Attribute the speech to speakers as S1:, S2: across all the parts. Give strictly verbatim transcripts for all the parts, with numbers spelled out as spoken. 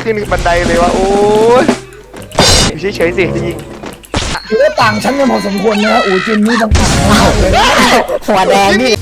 S1: ขึ้นบันไดเลยวะโอ้ยเฉยๆสิยิง
S2: ถือว่าต่างชั้นกันพอสมควรนะอู๋จินนี่ต่างๆมากเลย
S3: หัวแดงนี่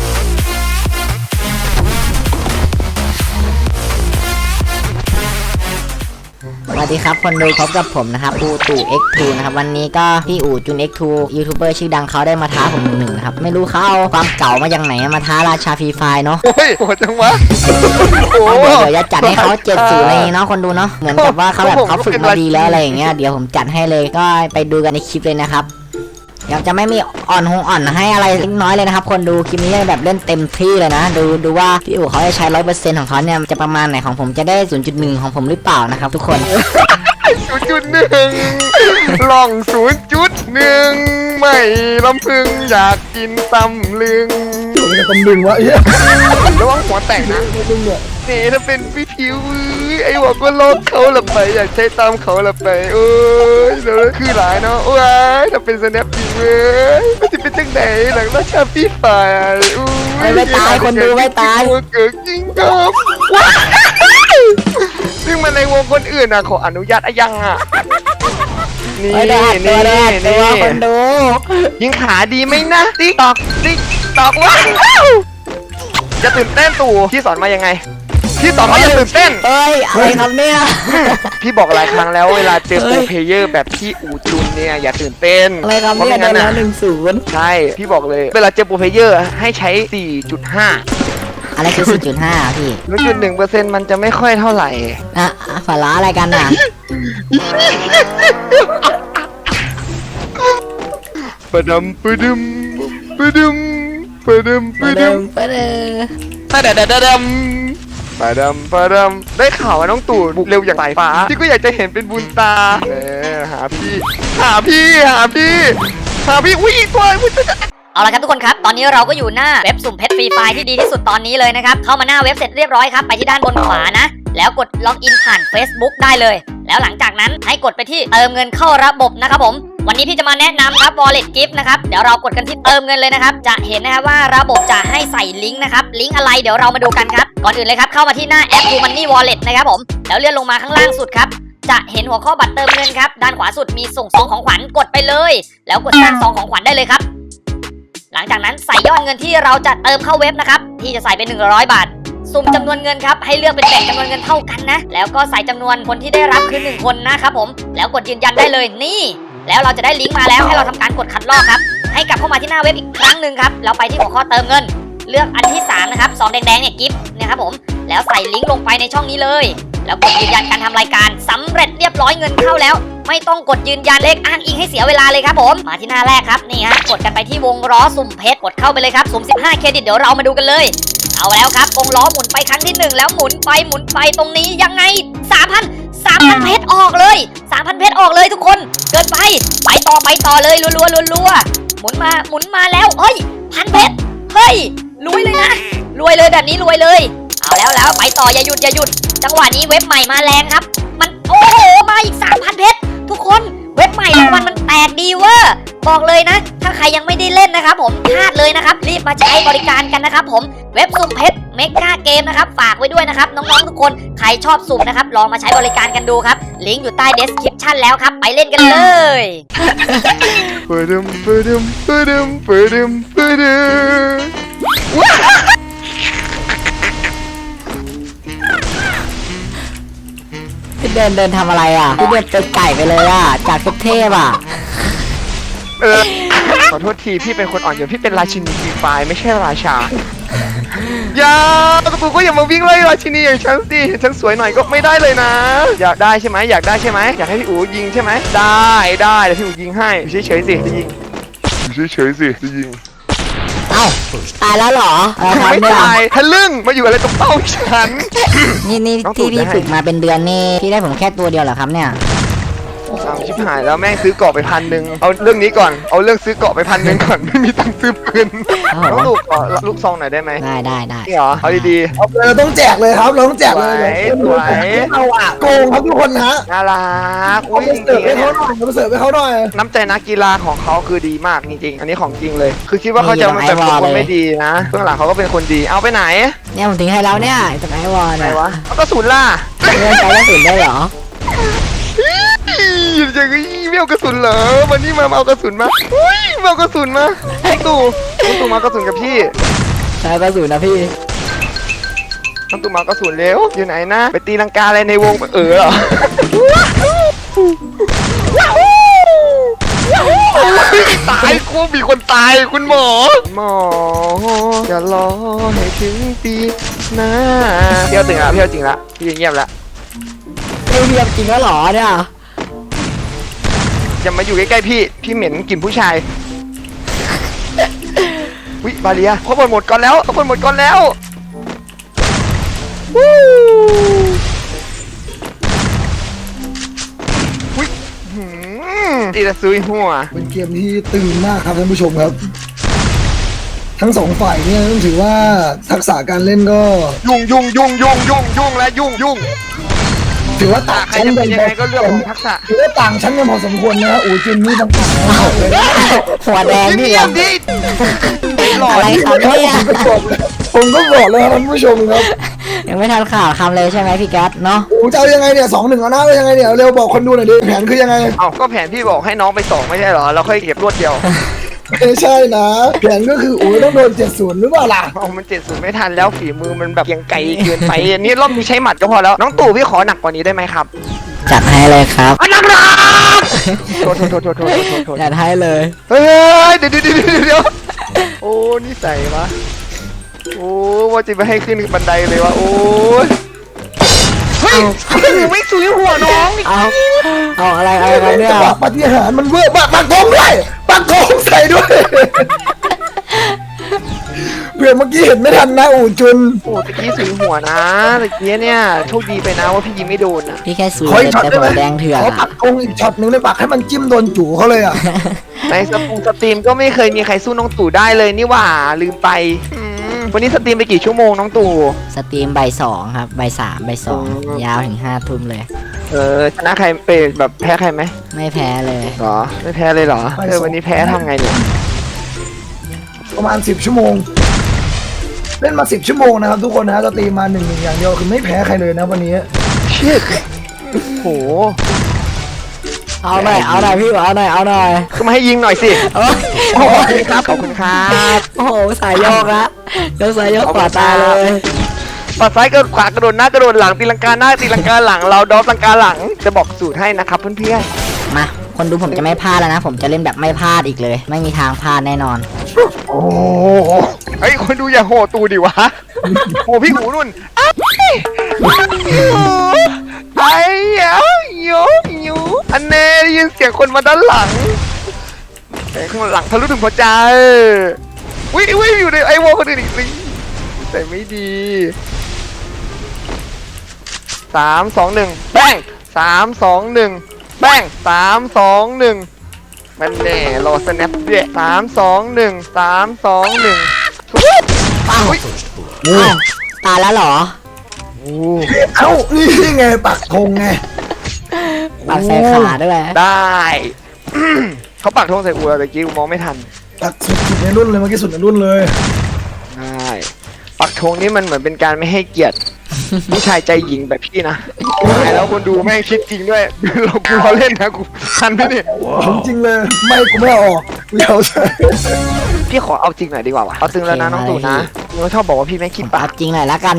S3: สวัสดีครับคนดูพบกับผมนะครับอูตู่ เอ็กซ์ ทู นะครับวันนี้ก็พี่อู๋จุน เอ็กซ์ ทู ยูทูบเบอร์ชื่อดังเขาได้มาท้าผมหนึ่งนะครับไม่รู้เขาเอาความเก่ามาจากไหนมาท้าราชาฟรีไฟเนาะ
S1: โอ้ยโหดจังวะ
S3: เดี๋ยวเดี๋ยวจะจัดให้เขาเจ็ดศูนย์เลยเนาะคนดูเนาะเหมือนกับว่าเขาแบบเขาฝึกมาดีแล้วอะไรอย่างเงี้ยเดี๋ยวผมจัดให้เลยก็ไปดูกันในคลิปเลยนะครับอยากจะไม่มีอ่อนหงอ่อนให้อะไรเล็กน้อยเลยนะครับคนดูคลิปนี้แบบเล่นเต็มที่เลยนะดูดูว่าพี่อู๋เขาจะใช้ร้อยเปอร์เซ็นต์ของเขาเนี่ยจะประมาณไหนของผมจะได้ศูนย์จุดหนึ่งของผมหรือเปล่านะครับทุกคน
S1: ศูนย์จุดหนึ่งลองศูนย์จุดหนึ่งไม่ลำพึงอยากกินตำลึง
S2: จะตำลึงวะเอ๊ะ
S1: ระวังหัวแตกนะนี่ถ้าเป็นพี่ผิวไอ้หัวก็ลอกเขาละไปอยากใช้ตามเขาละไปโอ้ยเดี๋ยวคือหลายเนาะโอ้ยถ้าเป็นสแนปจริงเว้ยมันจะเป็นจังไหนหลังราชาพี่ฝ่าย
S3: ไม่ไม่ตายคนดูไม่ตาย
S1: เกิดจริงครับซึ่งมันในวงคนอื่นอ่ะขออนุญาตอะยังอ่ะนี่นี่นี่
S3: คนดู
S1: ยิงขาดีไหมนะติ๊กตอกติ๊กตอกว้าวจะตื่นเต้นตู่พี่สอนมายังไงพี่สอนมาจะตื่นเต้น
S3: เอ้ยอะไรครับเนี่ย
S1: พี่บอกหลายครั้งแล้วเวลาเจอโปรเพลเยอร์แบบพี่อูจุนเนี่ยอย่าตื่นเต้น
S3: อะไรครับเนี่ยได้แล้วหนึ่งศูนย์
S1: ใช่พี่บอกเลยเวลาเจอโปรเพลเยอร์ให้ใช้ สี่จุดห้า
S3: อะไรคือ สี่จุดห้า พี่
S1: ศูนย์จุดหนึ่งเปอร์เซ็นต์ มันจะไม่ค่อยเท่าไหร่
S3: อ่ะฝาล้าอะไรกันอ่ะ
S1: ปะดมปะดึมปะดึมปะดึมปะดึม
S3: ปะเด
S1: ปะเดดดมปะดมปะดมได้ข่าวว่าน้องตู่บุกเร็วอย่างสายฟ้าพี่ก็อยากจะเห็นเป็นบุญตาเออหาพี่หาพี่หาพี่หาพี่อุ้ยอีกตัว
S4: เอาละครับทุกคนครับตอนนี้เราก็อยู่หน้าเว็บสุ่มเพชรฟรีไฟที่ดีที่สุดตอนนี้เลยนะครับเข้ามาหน้าเว็บเสร็จเรียบร้อยครับไปที่ด้านบนขวานะแล้วกดล็อกอินผ่าน Facebook ได้เลยแล้วหลังจากนั้นให้กดไปที่เติมเงินเข้าระบบนะครับผมวันนี้พี่จะมาแนะนำครับ Wallet Gift นะครับเดี๋ยวเรากดกันที่เติมเงินเลยนะครับจะเห็นนะครับว่าระบบจะให้ใส่ลิงก์นะครับลิงก์อะไรเดี๋ยวเรามาดูกันครับก่อนอื่นเลยครับเข้ามาที่หน้าแอป ทู มันนี่ Wallet นะครับผมแล้วเลื่อนลงมาข้างล่างสุดครับจะเห็นหัวข้อบัตรเติมเงินครับด้านขวาสุดมีส่งซองของขวัญกดไปเลยแล้วกดสร้างซองของขวัญได้เลยครับหลังจากนั้นใส่ยอดเงินที่เราจะเติมเข้าเว็บนะครับพี่จะใส่เป็นหนึ่งร้อยบาทสุ่มจำนวนเงินครับให้เลือกเป็นแบ่งจำนวนเงินเท่ากันนะแล้วก็ใส่จำนวนคนที่ได้รับคือหนึ่งคนนะครับผมแล้วกดยืนยันได้เลยนี่แล้วเราจะได้ลิงก์มาแล้วให้เราทำการกดคัดลอกครับให้กลับเข้ามาที่หน้าเว็บอีกครั้งหนึ่งครับแล้วไปที่หัวข้อเติมเงินเลือกอันที่สามนะครับซองแดงๆเนี่ยกิฟต์นะครับผมแล้วใส่ลิงก์ลงไปในช่องนี้เลยแล้วกดยืนยันการทำรายการสำเร็จเรียบร้อยเงินเข้าแล้วไม่ต้องกดยืนยันเลขอ้างอิงให้เสียเวลาเลยครับผมมาที่หน้าแรกครับนี่ฮะกดกันไปที่วงล้อสุ่มเพชรกดเข้าไปเลยครับสุ่มสิบห้าเครดิตเดี๋ยวเรามาดูกันเลยเอาแล้วครับวงล้อหมุนไปครั้งที่หนึ่งแล้วหมุนไปหมุนไปตรงนี้ยังไง สามพัน สามพัน เพชรออกเลย สามพัน เพชรออกเลยทุกคนเกินไปไปต่อไปต่อเลยรัวๆรัวๆหมุนมาหมุนมาแล้วเฮ้ยพันเพชรเฮ้ยรวยเลยนะรวยเลยแบบนี้รวยเลยเอาแล้วแล้วไปต่ออย่าหยุดอย่าหยุดจังหวะนี้เว็บใหม่มาแรงครับมันโอ้โหมาอีก สามพัน เพชรทุกคนเว็บใหม่รางวัลมันแตกดีเว้อบอกเลยนะถ้าใครยังไม่ได้เล่นนะครับผมพลาดเลยนะครับรีบมาใช้บริการกันนะครับผมเว็บสุ่มเพชรเมกาเกมนะครับฝากไว้ด้วยนะครับน้องๆทุกคนใครชอบสุ่มนะครับลองมาใช้บริการกันดูครับลิงก์อยู่ใต้ description แล้วครับไปเล่นกันเลย
S1: ปะดึมปะดึมปะดึมปะดึมปะดึม
S3: พี่เดินเดินทำอะไรอ่ะพี่เดินเป็นไก่ไปเลยอ่ะจากเทพอ่ะ
S1: เออขอโทษทีพี่เป็นคนอ่อนโยนพี่เป็นราชินีฟรีไฟไม่ใช่ราชาอย่ากระปุกก็อย่ามาวิ่งไล่ราชินีอย่างฉันสิฉันสวยหน่อยก็ไม่ได้เลยนะอยากได้ใช่ไหมอยากได้ใช่ไหมอยากให้พี่อู๋ยิงใช่ไหมได้ได้เดี๋ยวพี่อู๋ยิงให้เฉยเฉยสิจะยิงเฉยเฉยสิจะยิง
S3: เอ้าตายแล้วเหรอ
S1: ไม่ตายทะลึ่งมาอยู่อะไรตรงเป้าฉัน
S3: นี่นี่ที่พี่ฝึกมาเป็นเดือนนี่พี่ได้ผมแค่ตัวเดียวเหรอครับเนี่ยโอ้
S1: อ้าวชิบหายแล้วแม่งซื้อเกาะไปพันหนึ่งเอาเรื่องนี้ก่อนเอาเรื่องซื้อเกาะไปพันหนึ่งก่อนไม่มีตังค์ซื้อปืนน้องลูกขอลูกซองหน่อยได้ไหม
S3: ได้ได้ได้
S1: นี่เหรอเอาดี
S2: เอาเลยเราต้องแจกเลยครับเราต้องแจกเลย
S1: สวย
S2: เราอะโกงครับทุกคนนะ
S1: ๆน่ารัก
S2: เอา
S1: อุ้ย
S2: ไป
S1: จ
S2: เสิร์ฟ
S1: ริง
S2: ให้
S1: ๆ
S2: เขาหน่อยเอาไปเสิร์ฟให้เขาหน่อย
S1: น้ำใจนักกีฬาของเขาคือดีมากจริงๆ อันนี้ของจริงเลย คือคิดว่าเขาจะมาแบบเป็นคนไม่ดีนะเบื้องหลังเขาก็เป็นคนดีเอาไปไหน
S3: เนี่ยผมทิ้งให้แล้วเนี่ยจากไอวอล
S1: ไหน
S3: เนี่ยว
S1: ะเอากระสุนล่ะ
S3: เล่นใจกระสุนได้เหรอ
S1: อย่างนี้ไม่เอากระสุนเหรอวันนี้มาเอากระสุนมาอุ้ยมาเอากระสุนมาไอ้ตู่น้องตู่มาเอากระสุนกับพี่
S3: ใช้กระสุนนะพี่
S1: น้องตู่มาเอากระสุนเร็วอยู่ไหนนะไปตีลังกาอะไรในวงเออเหรอตายกูมีคนตายคุณหมอหมออย่ารอให้ถึงปีหน้าเที่ยวตึงละเที่ยวจริงละพี่เงียบละ
S3: เรียบเรียบจริงแล้วเหรอเนี่ย
S1: อย่ามาอยู่ใกล้ๆพี่พี่เหม็นกลิ่นผู้ชายวิบาเลียเขาเปิดหมดก่อนแล้วเขาเปิดหมดก่อนแล้ววู้วิหืมตีตะซุยหัว
S2: เป็นเกมที่ตึงมากครับท่านผู้ชมครับ ทั้งสองฝ่ายเนี่ยต้องถือว่าทักษะการเล่นก็
S1: ยุ่งยุ่งยุ่งยุ่งยุ่งยุ่งและยุ่งยุ่ง
S2: ถือว่า
S1: อ่ะ
S2: ต่าง
S1: ใคร
S2: ชั้น
S1: จะ
S2: กั
S1: เป็น นยังไงก็เรื่องของทักษะ
S2: ถือว่าต่างชั้นกันพอสมควรนะฮะอูจินนี่ต่างหากนะครับเลยนะ
S3: หัวแดงนี่
S1: เงียบ
S3: ดิ
S1: ดิหล่อ
S3: อะไร
S1: ดิ
S3: ครับเนี่ย
S2: ผมก็บอกเลยครับท่านผู้ชมครับ
S3: ยังไม่ทันข่าวคำเลยใช่ไหมพี่แก๊สเนาะ
S2: อูจะเอายังไงเนี่ยสองหนึ่งเอาหน้าเอายังไงเนี่ยเร็วบอกคนดูหน่อยดิแผนคือยังไง
S1: เอาก็แผนพี่บอกให้น้องไปสองไม่ใช่เหรอเราค่อยเก็บรวดเดียว
S2: ไม่ใช่นะแผนก็คืออูต้องโดนเจ็ดศูนย์หรือเปล่าล่ะ
S1: เอามันเจ็ดศูนย์ไม่ทันแล้วฝีมือมันแบบยังไกลเกินไปอันนี้รอบนี้ใช้หมัดก็พอแล้วน้องตู่พี่ขอหนักกว่านี้ได้ไหมครับ
S3: จัดให้เลยครับ
S1: อันหนักหนักโทษโทษโทษโทษโทษโทษโทษ
S3: จัดให้เลย
S1: เฮ้ยเดี๋ยวเดี๋ยวเดี๋ยวเดี๋ยวโอ้นี่ใส่วะโอ้ว่าจะไปให้ขึ้นบันไดเลยวะโอ้ยเฮ้ยไม่ซุยหัวน้อง
S3: เอาเอาอะไรอะไรกันเนี่ย
S2: จังหวะปฏิหารย์มันเวอร์ปักปักธงด้วยปักธงใส่ด้วยเพื่อนเมื่อกี้เห็นไม่ทันนะอูจุน
S1: โอ้ตะกี้ซุยหัวนะตะกี้เนี่ยโชคดีไปนะว่าพี่ยิงไม่โดนนะ
S3: พี่แค่สู
S2: ขออีกช็อต
S3: แต่
S2: ได้
S3: หั
S2: ไหม
S3: วแดงเถื่อน
S2: ขอ
S3: อะ
S2: ปักธงอีกช็อตหนึ่งเลยปักให้มันจิ้มโดนจู่เขาเลยอ่ะ
S1: ในสตรีมสตรีมก็ไม่เคยมีใครสู้น้องตู่ได้เลยนี่หว่าลืมไปอืมวันนี้สตรีมไปกี่ชั่วโมงน้องตู่
S3: สตรีมบ่ายสองครับบ่ายสามบ่ายสอง
S1: อ๋อ
S3: ยาวถึงห้าทุ่มเลย
S1: เออชนะใครไปแบบแพ้ใครไหม
S3: ไม่แพ้เลย
S1: หรอไม่แพ้เลยเหรอเออวันนี้แพ้ทำไงเนี่ย
S2: ประมาณสิบชั่วโมง เล่นมาสิบชั่วโมงนะครับทุกคนนะจะตีมาหนึ่งหนึ่งอย่างเดียวคือไม่แพ้ใครเลยนะวันนี้
S1: เชิดโห
S3: เอาหน่อยเอาหน่อยพี่เอาหน่อยเอาหน่อย
S1: ก็มาให้ยิงหน่อยสิ
S3: โอ้ย
S1: ขอบคุณครับขอบคุณครับ
S3: โอ้โหสายโยกละยกสายโยกขวาตาเลย
S1: ปัดซ้ายกระโดดขวากระโดดหน้ากระโดดหลังตีลังกาหน้าตีลังกาหลังเราดอฟลังกาหลังจะบอกสูตรให้นะครับเพื่อน
S3: มาคนดูผมจะไม่พลาดแล้วนะ ผมจะเล่นแบบไม่พลาดอีกเลย ไม่มีทางพลาดแน่นอน
S1: ๆโอ้ไอ้ยคนดูอย่าโหตูดิวะโหพี่หูนุ่นไอ้ไอ้เอ้ยโยโยอันเน่ได้ยินเสียงคนมาด้านหลังเสียงข้างหลังทะลุถึงหัวใจวิวิอยู่ในไอวอลคนอื่นอีกสิแต่ไม่ดีสามสองหนึ่งแป้งสามสองหนึ่งแป้งสามสองหนึ่งมันแน่รอสแนปด้วยสามสองหนึ่งสามสองหนึ่ง
S3: อ้าว
S1: อุ๊ย
S3: อ้าวตายแล้วเหรอ
S2: เอ้านี่ไงปักธงไง
S3: ปากใส่ขาด้วย
S1: ได้ เขาปักธงใส่อัวแต่กี้กูมองไม่ทัน
S2: ปักสุดๆในรุ่นเลยเมื่อกี้สุดในรุ่นเลย
S1: ได้ปักธงนี่มันเหมือนเป็นการไม่ให้เกียรติ ผู้ชายใจหญิงแบบพี่นะตายแล้วคนดูแม่งคิดจริงด้วย เรากูเราเล่นนะกูทันไหมเนี่ย
S2: ผมจริงเลยไม่กูไม่เอาออกกูจะเอาใส่
S1: พี่ขอเอาจริงหน่อยดีกว่าวะเอาตึงแล้วนะน้องตู่นะมึงชอบบอกว่าพี่แม่งคิด
S3: ปา
S1: ปาก
S3: กจริงหน่อยละกัน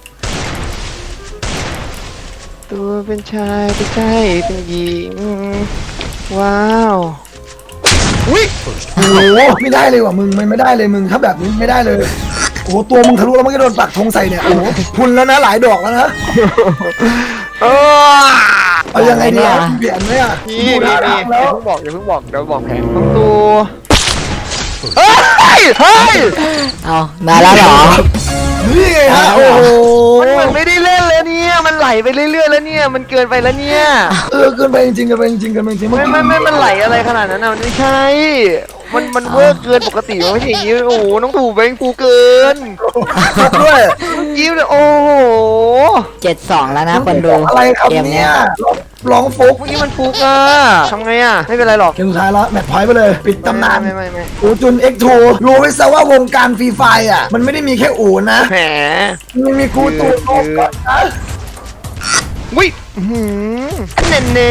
S1: ตัวเป็นชายเป็นใจเป็นหญิงว้าว อุ้ย
S2: โอ้โหไม่ได้เลยว่ะมึงมันไม่ได้เลยมึงถ้าแบบนี้ไม่ได้เลยโอ้โหตัวมึงทะลุแล้วมันก็โดนปักธงใส่เนี่ยโอ้โหพุนแล้วนะหลายดอกแล้วนะ
S1: เออ
S2: เอายังไงดีอ่ะเปลี่ยนไหมอ่ะ
S1: นี่
S2: ดู
S1: นี่
S2: ท่า
S1: นี่
S2: ทาง
S1: อ
S2: แล้
S1: ย่าว เพิ่งบอกอย่าเพิ่งบอกเดี๋ยวบอกแผนน้องตู่เฮ้ยเฮ้ย
S3: เอามาแล้วเหรอ
S2: นี่ไงฮะโอ้โห
S1: มันมันไม่ได้เล่นแล้วเนี่ยมันไหลไปเรื่อยๆแล้วเนี่ยมันเกินไปแล้วเนี่ย
S2: เออเกินไปจริงๆเกินไปจริงๆเกินไปจริงๆ
S1: ไม่ไม่ไม่มันไหลอะไรขนาดนั้นนะมันไม่ใช่มันมันเวอร์เกินปกติมันไม่ใช่อย่างนี้โอ้โหน้องตู่แบงกูเกิน
S2: มาด้วย
S1: ยิ้มเลยโอ้โห
S3: เจ็ดสองแล้วนะคนดู
S2: อะไรครับ
S3: เกม
S2: เนี่
S3: เนี้
S2: ย
S3: ย
S2: ร้องฟุก
S1: เมื่อกี้มันฟุกอะทำไงอะไม่เป็นไรหรอก
S2: เกมสุดท้ายแล้วแมตช์พอยต์ไปเลยปิดตำนาน
S1: ไม่ไม่ไม่
S2: อูจุน เอ็กซ์ ทู รู้ไว้ซะว่าวงการฟรีไฟอ่ะมันไม่ได้มีแค่อูนะ
S1: แหม
S2: มันมีกูตูโนก่อนนะ
S1: วิหืมเน่เน่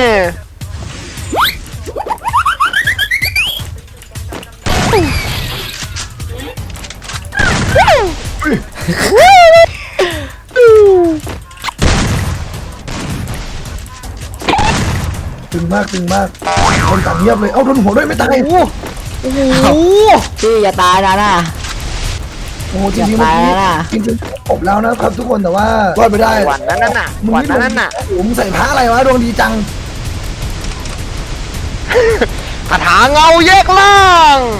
S2: ตึงมากตึงมากคนตัดเงียบเลยเอ้าโดนหัวด้วยไม่ตาย
S1: โอ้โห
S3: พี่อย่าตายนะน่ะ
S2: โอ้โหจริงๆ
S3: ตายแล้วนะ
S2: จริงๆผมแล้วนะครับทุกคนแต่ว่ารอดไปได้
S1: วันนั้นน่ะ
S2: มึง
S1: วัน
S2: นี่
S1: นั้นน่ะ
S2: โอ้โหมึงใส่ผ้าอะไรวะดวงดีจัง
S1: คาถาเงาแยกล่าง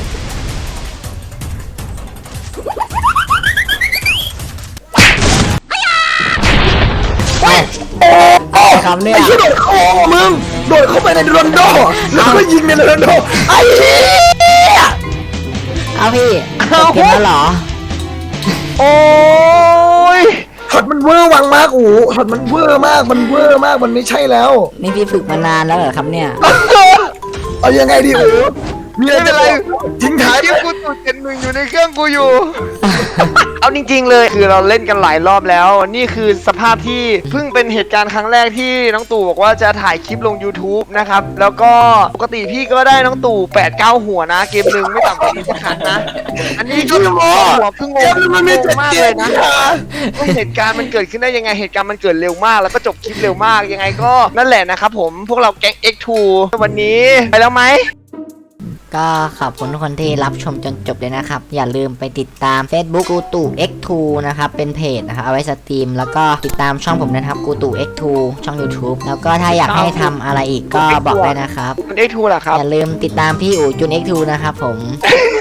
S3: คำเนี่ย
S2: ไอ้ที่โดดคอมึงโดดเข้าไปในโรนลโดแล้วก็ยิงในโรนลโดไอ้เหี้ย
S3: เอาพี่จบเกมแล้วเหรอ
S1: โอ้ย
S2: ช็อตมันเวอร์วังมากโอ้โหช็อตมันเวอร์มากมันเวอร์มากมันไม่ใช่แล้ว
S3: นี่พี่ฝึกมานานแล้วเหรอครับเนี่ย
S2: เอายังไงดีโอ้โหมีอะไร
S1: ไม่เป็นไร
S2: ทิ้งท้าย
S1: ที่กูตูดเจ็ดหนึ่งอยู่ในเครื่องกูอยู่ เอาจริงๆเลยคือเราเล่นกันหลายรอบแล้ว นี่คือสภาพที่เพิ่งเป็นเหตุการณ์ครั้งแรกที่น้องตู่บอกว่าจะถ่ายคลิปลง YouTube นะครับ แล้วก็ปกติพี่ก็ได้น้องตู่แปดเก้าหัวนะ เกมหนึ่งไม่ต่ำกว่านี้สักครั้งนะ อันนี้ก็หัวเพิ่งง
S2: เก
S1: ง
S2: มมันมี
S1: ง
S2: เจ็ด
S1: มาก
S2: เก
S1: เล
S2: ม
S1: ยนะ ว่าเหตุการณ์มันเกิดขึ้นได้ยังไงเหตุการณ์มันเกิดเร็วมากแล้วก็จบคลิปเร็วมากยังไงก็นั่นแหละนะครับผมพวกเราแก๊ง เอ็กซ์ ทู วันนี้ไปแล้วไหม
S3: ก็ขอบคุณทุกคนที่รับชมจนจบเลยนะครับ อย่าลืมไปติดตาม Facebook กูตู่ เอ็กซ์ ทู นะครับ เป็นเพจนะครับ เอาไว้สตรีม แล้วก็ติดตามช่องผมนะครับกูตู่ เอ็กซ์ ทู ช่อง YouTube แล้วก็ถ้าอยากให้ทำอะไรอีกก็บอกได้นะครับ
S1: มัน เอ็กซ์ ทู เหรอครับ
S3: อย่าลืมติดตามพี่อู๋จุน เอ็กซ์ ทู นะครับผม